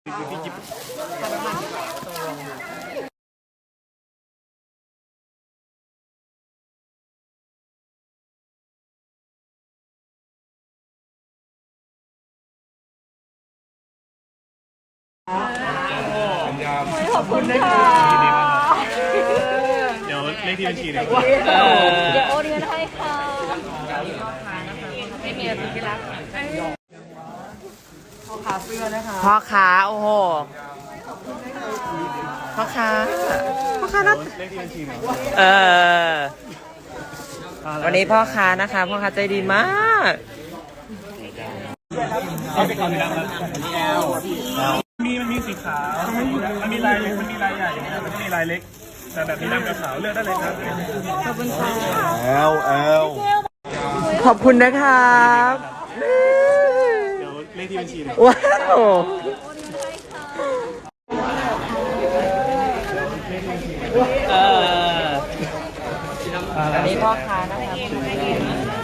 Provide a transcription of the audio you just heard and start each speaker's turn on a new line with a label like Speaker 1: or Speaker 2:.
Speaker 1: ที่ญี่ปุ่น
Speaker 2: ขอบคุณค่ะ
Speaker 1: เดี๋ยวเลขที่บัญชีเนี่ย
Speaker 2: เดี๋ยวโอนเงินให้ค่ะไม่มีอะไรที่รักพ่อค้าเสื้อนะคะพ่อค้าโอ้โหพ่อค้านัด
Speaker 1: เลขที่บัญชีเนี่ย
Speaker 2: วันนี้พ่อค้านะคะพ่อค้าใจดีมาก
Speaker 1: เอาไปก่อนเลยนะครับอันนี้มันมีสีขาวมันมีลายใหญ่มันมีลายเล็กแต่แบบนี้ดำกับขาวเลือกได้เลยครับขอบคุณค่ะ
Speaker 2: ขอบคุณนะครับ
Speaker 1: เดี๋ยวเลขที่บัญชีเนี่ย
Speaker 2: ว้าวอันนี้พ่อค้านะครับ